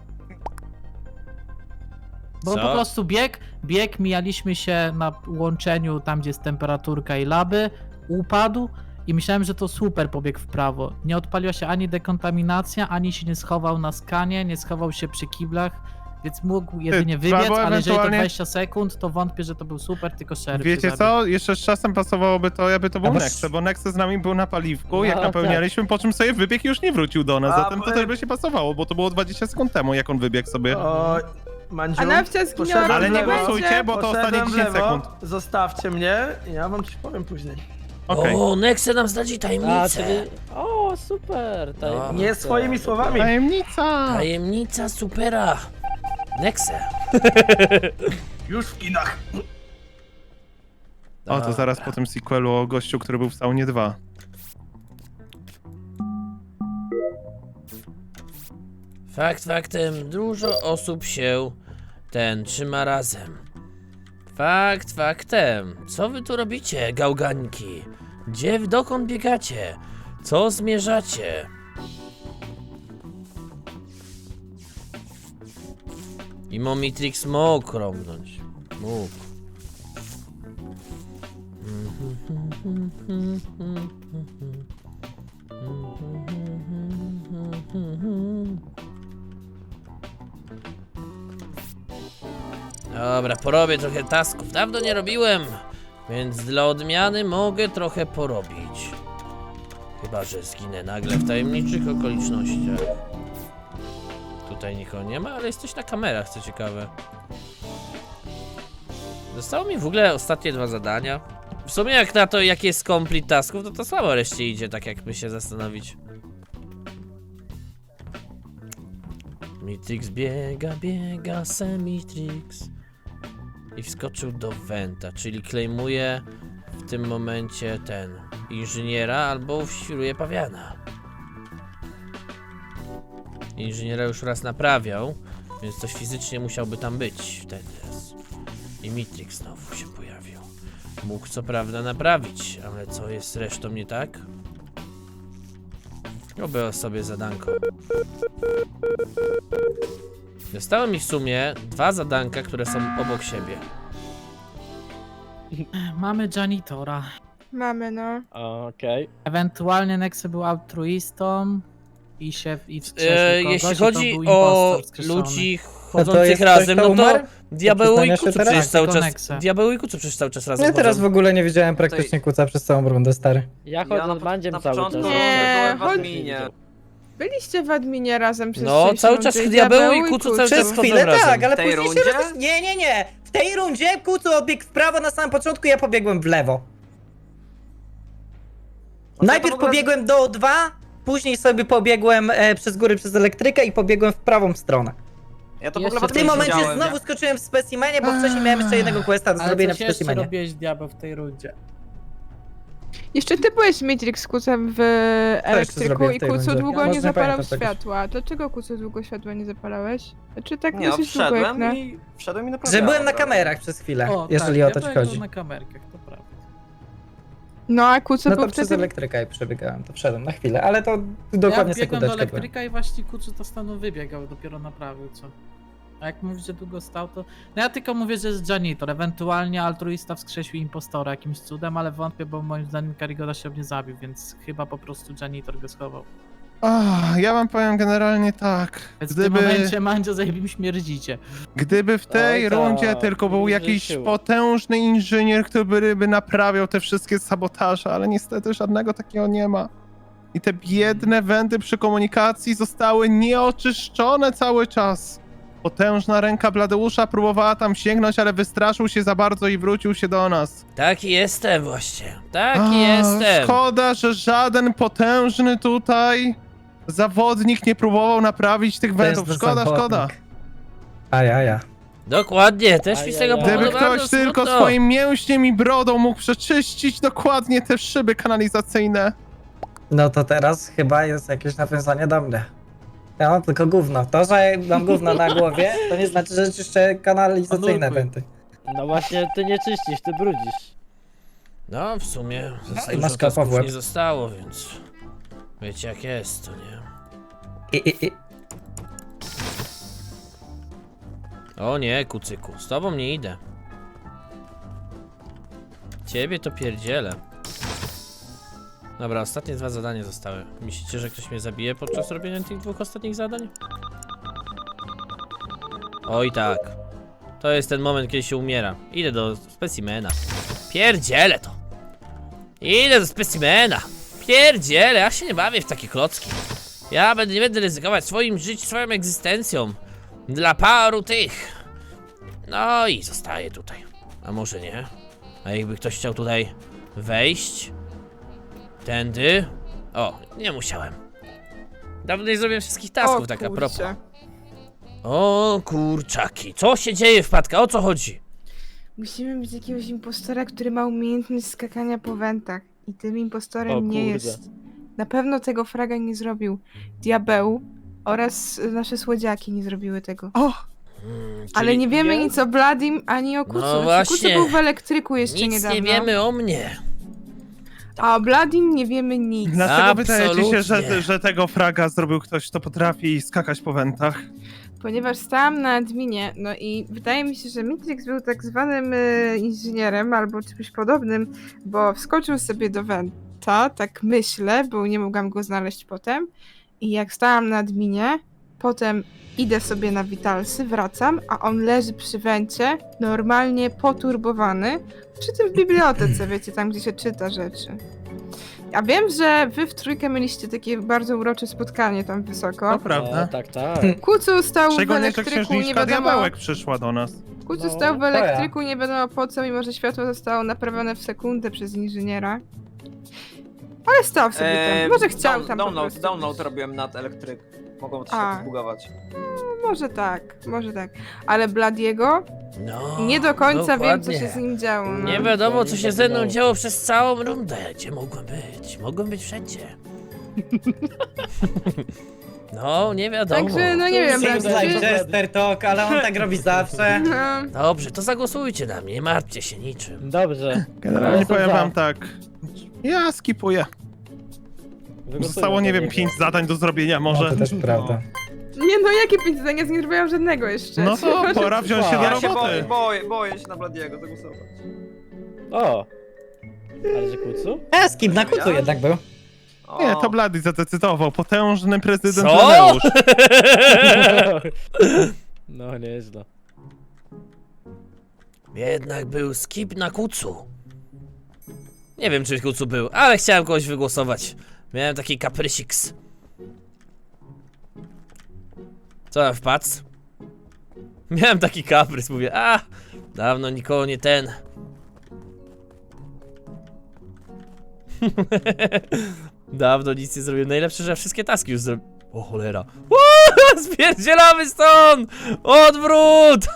[SPEAKER 2] Bo
[SPEAKER 1] Co?
[SPEAKER 2] po prostu bieg, mijaliśmy się na łączeniu tam, gdzie jest temperaturka i laby, upadł i myślałem, że to super pobiegł w prawo. Nie odpaliła się ani dekontaminacja, ani się nie schował na skanie, nie schował się przy kiblach, więc mógł jedynie
[SPEAKER 6] trzeba
[SPEAKER 2] wybiec,
[SPEAKER 6] było
[SPEAKER 2] ale jeżeli to
[SPEAKER 6] ewentualnie-
[SPEAKER 2] 20 sekund, to wątpię, że to był super, tylko szeryf. się
[SPEAKER 6] Wiecie
[SPEAKER 2] zabił.
[SPEAKER 6] co? Jeszcze z czasem pasowałoby to, jakby to był
[SPEAKER 9] Albo-
[SPEAKER 6] Nexe, bo Nexe z nami był na paliwku,
[SPEAKER 10] No,
[SPEAKER 6] jak
[SPEAKER 10] tak.
[SPEAKER 6] napełnialiśmy, po czym sobie wybiegł i już nie wrócił do nas,
[SPEAKER 5] A,
[SPEAKER 6] zatem to
[SPEAKER 5] bo-
[SPEAKER 6] też by się pasowało, bo to było 20 sekund temu, jak on wybiegł sobie.
[SPEAKER 5] O, Mandziu,
[SPEAKER 8] A Nawcia zginęła
[SPEAKER 5] poszedłem
[SPEAKER 6] Ale
[SPEAKER 5] w
[SPEAKER 6] nie
[SPEAKER 5] lewo,
[SPEAKER 6] głosujcie, bo to
[SPEAKER 5] poszedłem
[SPEAKER 6] ostatnie
[SPEAKER 5] w
[SPEAKER 6] 10
[SPEAKER 5] lewo,
[SPEAKER 6] sekund.
[SPEAKER 5] Zostawcie mnie, ja wam coś powiem później.
[SPEAKER 6] Okej.
[SPEAKER 1] O, Nexe nam zdradzi
[SPEAKER 10] A,
[SPEAKER 1] tajemnicę.
[SPEAKER 10] czyli... O, super! tajemnica.
[SPEAKER 5] Nie swoimi słowami.
[SPEAKER 6] Tajemnica!
[SPEAKER 1] Tajemnica supera. Nexe.
[SPEAKER 5] Już w kinach.
[SPEAKER 6] O, to zaraz po tym sequelu o gościu, który był w saunie 2.
[SPEAKER 1] Fakt faktem, dużo osób się trzyma razem. Fakt faktem, co wy tu robicie, gałgańki? Dokąd biegacie? Co zmierzacie? I Momitrix mógł rąbnąć. Mógł. Dobra, porobię trochę tasków. Dawno nie robiłem, więc dla odmiany mogę trochę porobić. Chyba że zginę nagle w tajemniczych okolicznościach. Tutaj nikogo nie ma, ale jesteś na kamerach, co ciekawe. Zostało mi w ogóle ostatnie 2 zadania. W sumie jak na to, jaki jest complete tasków, to słabo reszcie idzie, tak jakby się zastanowić. Mitrix biega Semitrix. I wskoczył do Venta, czyli claimuje w tym momencie ten inżyniera albo świruje pawiana. Inżyniera już raz naprawiał, więc coś fizycznie musiałby tam być wtedy. I Mitrix znowu się pojawił. Mógł co prawda naprawić, ale co jest z resztą nie tak? Robię sobie zadanko. Zostały mi w sumie 2 zadanka, które są obok siebie.
[SPEAKER 2] Mamy janitora.
[SPEAKER 8] Mamy, no.
[SPEAKER 10] Okej.
[SPEAKER 2] Ewentualnie Nexe był altruistą i wskrzesił kogoś,
[SPEAKER 1] Jeśli
[SPEAKER 2] i to
[SPEAKER 1] chodzi
[SPEAKER 2] był
[SPEAKER 1] o
[SPEAKER 2] impostor wskrzeszony.
[SPEAKER 9] A
[SPEAKER 1] ludzi
[SPEAKER 9] to jest
[SPEAKER 1] chodzących
[SPEAKER 9] ktoś,
[SPEAKER 1] razem,
[SPEAKER 9] kto
[SPEAKER 1] no to
[SPEAKER 9] umarł?
[SPEAKER 1] Diabeł i
[SPEAKER 9] przyznania się
[SPEAKER 1] Kucu
[SPEAKER 9] teraz?
[SPEAKER 1] przecież cały
[SPEAKER 2] Tylko
[SPEAKER 1] czas.
[SPEAKER 2] Nexe.
[SPEAKER 1] Diabeł i Kucu przecież cały czas razem
[SPEAKER 9] Ja teraz w
[SPEAKER 1] chodzą.
[SPEAKER 9] ogóle nie widziałem praktycznie Kuca przez całą rundę, stary.
[SPEAKER 10] Ja chodzę z Mandziem cały czas.
[SPEAKER 8] Nie,
[SPEAKER 10] Chodź-
[SPEAKER 8] chodź- Byliście w adminie razem przez
[SPEAKER 1] No,
[SPEAKER 8] część
[SPEAKER 1] cały
[SPEAKER 8] rundy,
[SPEAKER 1] czas Diabeł i Kucu cały czas
[SPEAKER 9] Przez
[SPEAKER 1] chodzą
[SPEAKER 9] chwilę
[SPEAKER 1] razem.
[SPEAKER 9] tak, ale
[SPEAKER 11] W tej
[SPEAKER 9] później się
[SPEAKER 11] rundzie?
[SPEAKER 9] Nie. W tej rundzie Kucu odbiegł w prawo na samym początku, ja pobiegłem w lewo. Najpierw pobiegłem do O2, później sobie pobiegłem przez góry przez elektrykę i pobiegłem w prawą stronę.
[SPEAKER 11] Ja to w
[SPEAKER 10] Jeszcze
[SPEAKER 11] ogóle
[SPEAKER 9] W tym momencie
[SPEAKER 11] widziałem.
[SPEAKER 9] znowu skoczyłem w specimenie, bo wcześniej miałem jeszcze jednego questa do
[SPEAKER 2] Ale
[SPEAKER 9] zrobienia w
[SPEAKER 2] coś jeszcze
[SPEAKER 9] specimenie.
[SPEAKER 2] robiłeś diabeł w tej rundzie.
[SPEAKER 8] Jeszcze ty byłeś Matrix z Kucem w elektryku
[SPEAKER 9] zrobiłem w
[SPEAKER 8] i
[SPEAKER 9] tej
[SPEAKER 8] Kucu
[SPEAKER 9] rundzie?
[SPEAKER 8] długo
[SPEAKER 9] Ja
[SPEAKER 8] nie
[SPEAKER 9] może
[SPEAKER 8] zapalał
[SPEAKER 9] pamiętam tego.
[SPEAKER 8] światła. Dlaczego Kucu długo światła nie zapalałeś? Czy tak
[SPEAKER 11] Nie, no,
[SPEAKER 8] dosyć długo jak
[SPEAKER 11] wszedłem
[SPEAKER 8] na...
[SPEAKER 11] i
[SPEAKER 9] Że
[SPEAKER 11] naprawiałem.
[SPEAKER 9] byłem na
[SPEAKER 11] prawda?
[SPEAKER 9] kamerach przez chwilę,
[SPEAKER 2] O,
[SPEAKER 9] jeżeli
[SPEAKER 2] tak,
[SPEAKER 9] o to ci
[SPEAKER 2] diabeł
[SPEAKER 9] chodzi.
[SPEAKER 2] na kamerkach, to prawda.
[SPEAKER 8] No a Kucu
[SPEAKER 9] No
[SPEAKER 8] był
[SPEAKER 9] to przez
[SPEAKER 8] wtedy...
[SPEAKER 9] elektryka i przebiegałem, to wszedłem na chwilę, ale to
[SPEAKER 2] Ja
[SPEAKER 9] dokładnie
[SPEAKER 2] biegłem do
[SPEAKER 9] sekundeczkę byłem.
[SPEAKER 2] elektryka i właśnie Kucu to stanu wybiegał, dopiero naprawił, co? A jak mówisz, że długo stał, to... No ja tylko mówię, że jest janitor, ewentualnie altruista wskrzesił impostora jakimś cudem, ale wątpię, bo moim zdaniem Karigoda się nie zabił, więc chyba po prostu janitor go schował.
[SPEAKER 6] Ja wam powiem generalnie tak.
[SPEAKER 2] Więc w tym momencie Mandzio zajebim śmierdzicie.
[SPEAKER 6] Gdyby w tej
[SPEAKER 10] Oj, tak,
[SPEAKER 6] rundzie tylko był
[SPEAKER 10] nie
[SPEAKER 6] jakiś
[SPEAKER 10] życzył.
[SPEAKER 6] potężny inżynier, który by naprawiał te wszystkie sabotaże, ale niestety żadnego takiego nie ma. I te biedne wędy przy komunikacji zostały nieoczyszczone cały czas. Potężna ręka Bladeusza próbowała tam sięgnąć, ale wystraszył się za bardzo i wrócił się do nas.
[SPEAKER 1] Taki jestem właśnie. Taki jestem.
[SPEAKER 6] Szkoda, że żaden potężny tutaj zawodnik nie próbował naprawić tych wędów. Szkoda.
[SPEAKER 9] Ajaja.
[SPEAKER 1] Dokładnie, też mi z tego
[SPEAKER 10] Ajajaj.
[SPEAKER 1] powodu
[SPEAKER 6] Gdyby
[SPEAKER 1] bardzo
[SPEAKER 6] ktoś tylko
[SPEAKER 1] smutno.
[SPEAKER 6] swoim mięśniem i brodą mógł przeczyścić dokładnie te szyby kanalizacyjne.
[SPEAKER 9] No to teraz chyba jest jakieś nawiązanie do mnie. Ja mam tylko gówno. To, że mam gówno na głowie, to nie znaczy, że czyszczę kanalizacyjne
[SPEAKER 2] Anuluj.
[SPEAKER 9] wenty.
[SPEAKER 10] No właśnie, ty nie czyścisz, ty brudzisz.
[SPEAKER 1] No, w sumie za
[SPEAKER 9] i
[SPEAKER 1] dużo
[SPEAKER 9] masz kapa w
[SPEAKER 1] tasków
[SPEAKER 9] łeb.
[SPEAKER 1] nie zostało, więc wiecie jak jest, to nie?
[SPEAKER 9] I.
[SPEAKER 1] O nie, kucyku, z tobą nie idę. Ciebie to pierdzielę. Dobra, ostatnie 2 zadania zostały. Myślicie, że ktoś mnie zabije podczas robienia tych 2 ostatnich zadań? Oj tak. To jest ten moment, kiedy się umiera. Idę do specimena. Pierdzielę to. Idę do specimena. Pierdzielę, ja się nie bawię w takie klocki. Nie będę ryzykować swoim życiem, swoją egzystencją. Dla paru tych. No i zostaję tutaj. A może nie? A jakby ktoś chciał tutaj wejść? Tędy? O, nie musiałem. Dawno nie zrobiłem wszystkich tasków, tak a propos.
[SPEAKER 8] kurczę.
[SPEAKER 1] O kurczaki, co się dzieje wpadka? O co chodzi?
[SPEAKER 8] Musimy mieć jakiegoś impostora, który ma umiejętność skakania po wentach. I tym impostorem
[SPEAKER 10] O
[SPEAKER 8] nie
[SPEAKER 10] kurde.
[SPEAKER 8] jest. Na pewno tego fraga nie zrobił Diabeł oraz nasze słodziaki nie zrobiły tego. Ale
[SPEAKER 1] Czyli
[SPEAKER 8] nie wiemy
[SPEAKER 10] nie?
[SPEAKER 8] nic o Bladim ani o Kucu.
[SPEAKER 1] No
[SPEAKER 8] Kucu
[SPEAKER 1] właśnie.
[SPEAKER 8] był w elektryku jeszcze
[SPEAKER 1] nic
[SPEAKER 8] niedawno.
[SPEAKER 1] nie wiemy o mnie.
[SPEAKER 8] A o Bladim nie wiemy nic.
[SPEAKER 6] Dlaczego wydaje ci się,
[SPEAKER 1] Absolutnie.
[SPEAKER 6] że tego fraga zrobił ktoś, kto potrafi skakać po wentach?
[SPEAKER 8] ponieważ stałam na adminie, no i wydaje mi się, że Mitrix był tak zwanym inżynierem albo czymś podobnym, bo wskoczył sobie do Venta, tak myślę, bo nie mogłam go znaleźć potem. I jak stałam na adminie, potem idę sobie na Witalsy, wracam, a on leży przy Wencie, normalnie poturbowany, przy tym w bibliotece, wiecie, tam gdzie się czyta rzeczy. Ja wiem, że wy w trójkę mieliście takie bardzo urocze spotkanie tam wysoko.
[SPEAKER 6] To prawda.
[SPEAKER 10] Tak, tak.
[SPEAKER 8] Kucu stał w
[SPEAKER 6] Szczególnie, że
[SPEAKER 8] elektryku, nie
[SPEAKER 6] księżniczka
[SPEAKER 8] wiadomo...
[SPEAKER 6] Diabełek przyszła do nas.
[SPEAKER 8] Kucu
[SPEAKER 10] No,
[SPEAKER 8] stał w
[SPEAKER 9] to ja.
[SPEAKER 8] elektryku, nie wiadomo po co, mimo że światło zostało naprawione w sekundę przez inżyniera. Ale stał sobie tam, może chciał tam po prostu.
[SPEAKER 11] Download robiłem nad elektryk. Mogą się
[SPEAKER 8] A.
[SPEAKER 11] zbugować.
[SPEAKER 8] Może tak. Ale Bladiego
[SPEAKER 1] No,
[SPEAKER 8] nie do końca wiem, co
[SPEAKER 1] dokładnie.
[SPEAKER 8] się z nim działo. No.
[SPEAKER 1] Nie wiadomo, co się ze mną działo przez całą rundę. Gdzie mogłem być? Mogłem być wszędzie. No, nie wiadomo.
[SPEAKER 8] Także, no nie wiem,
[SPEAKER 9] Seems
[SPEAKER 8] Bladi,
[SPEAKER 9] like
[SPEAKER 8] czy...
[SPEAKER 9] Jester Talk, ale on tak robi zawsze.
[SPEAKER 8] No,
[SPEAKER 1] Dobrze, to zagłosujcie na mnie, nie martwcie się niczym.
[SPEAKER 10] Dobrze.
[SPEAKER 6] Generalnie
[SPEAKER 10] Jestem
[SPEAKER 6] powiem
[SPEAKER 10] za.
[SPEAKER 6] wam tak. Ja skipuję.
[SPEAKER 10] Wygłosuję
[SPEAKER 6] Zostało, nie
[SPEAKER 10] za
[SPEAKER 6] wiem,
[SPEAKER 10] niego.
[SPEAKER 6] 5 zadań do zrobienia może.
[SPEAKER 9] No, to też prawda.
[SPEAKER 8] nie no, jakie 5 zdań? Ja z nim zrobiłam żadnego jeszcze.
[SPEAKER 6] No to pora wziąć się do
[SPEAKER 11] Ja się
[SPEAKER 6] roboty.
[SPEAKER 11] boję się na Bladiego zagłosować.
[SPEAKER 10] O! Ale że kucu?
[SPEAKER 9] Skip na kucu jednak był.
[SPEAKER 11] O,
[SPEAKER 6] Nie, to Blady zadecydował. Potężny prezydent
[SPEAKER 1] Co?
[SPEAKER 6] Leneusz.
[SPEAKER 10] No, nieźle.
[SPEAKER 1] Jednak był skip na kucu. Nie wiem, czy kucu był, ale chciałem kogoś wygłosować. Miałem taki kaprysiks. Co tam wpadł? Miałem taki kaprys, mówię, dawno nikogo nie ten. Dawno nic nie zrobiłem. Najlepsze, że ja wszystkie taski już zrobiłem. O cholera. Spierdzielamy stąd! Odwrót!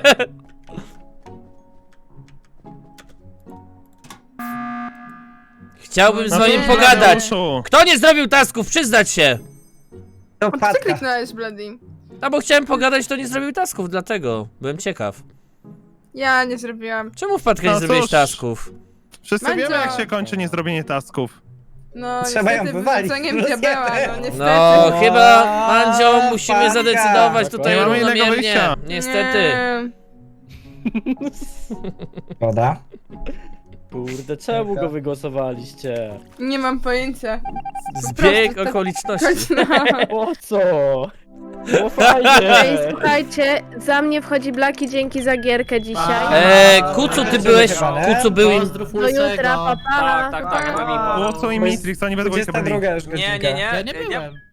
[SPEAKER 1] Chciałbym z
[SPEAKER 6] No
[SPEAKER 1] wami
[SPEAKER 6] to
[SPEAKER 1] pogadać.
[SPEAKER 6] Leneuszu.
[SPEAKER 1] Kto nie zrobił tasków? Przyznać się!
[SPEAKER 9] To
[SPEAKER 8] A ty co
[SPEAKER 9] patka.
[SPEAKER 8] kliknąłeś, Bladi?
[SPEAKER 1] No bo chciałem pogadać, to nie zrobił tasków, dlatego. Byłem ciekaw.
[SPEAKER 8] Ja nie zrobiłam.
[SPEAKER 1] Czemu wpadka nie
[SPEAKER 6] No
[SPEAKER 1] zrobiłeś
[SPEAKER 6] cóż.
[SPEAKER 1] tasków?
[SPEAKER 6] Wszyscy
[SPEAKER 8] Mandzio.
[SPEAKER 6] wiemy, jak się kończy niezrobienie tasków.
[SPEAKER 8] No,
[SPEAKER 9] Trzeba ją
[SPEAKER 8] niestety
[SPEAKER 9] wywalić.
[SPEAKER 8] wyrzuceniem diabeła, no niestety.
[SPEAKER 1] No,
[SPEAKER 9] O,
[SPEAKER 1] chyba, Mandzio, musimy
[SPEAKER 9] Patka.
[SPEAKER 1] zadecydować tutaj
[SPEAKER 6] Nie mamy innego
[SPEAKER 1] równomiernie.
[SPEAKER 6] wyjścia.
[SPEAKER 1] Niestety.
[SPEAKER 8] Nie.
[SPEAKER 9] Woda.
[SPEAKER 10] Kurde, czemu go wygłosowaliście?
[SPEAKER 8] Nie mam pojęcia.
[SPEAKER 1] Zbieg
[SPEAKER 8] tak-
[SPEAKER 1] okoliczności.
[SPEAKER 10] Po co? Było
[SPEAKER 3] Ej,
[SPEAKER 10] fajnie!
[SPEAKER 3] słuchajcie, za mnie wchodzi Blaki, dzięki za gierkę dzisiaj.
[SPEAKER 1] Kucu, ty byłeś, Kucu był im...
[SPEAKER 2] Pozdrów
[SPEAKER 3] Do
[SPEAKER 2] Łysego.
[SPEAKER 3] jutra, papa.
[SPEAKER 11] Tak, ja mam impo.
[SPEAKER 6] Było co i Mitrix, oni we dwójkę byli.
[SPEAKER 9] 22 już
[SPEAKER 11] Nie,
[SPEAKER 9] godzinka.
[SPEAKER 11] nie, nie.
[SPEAKER 2] Ja nie byłem.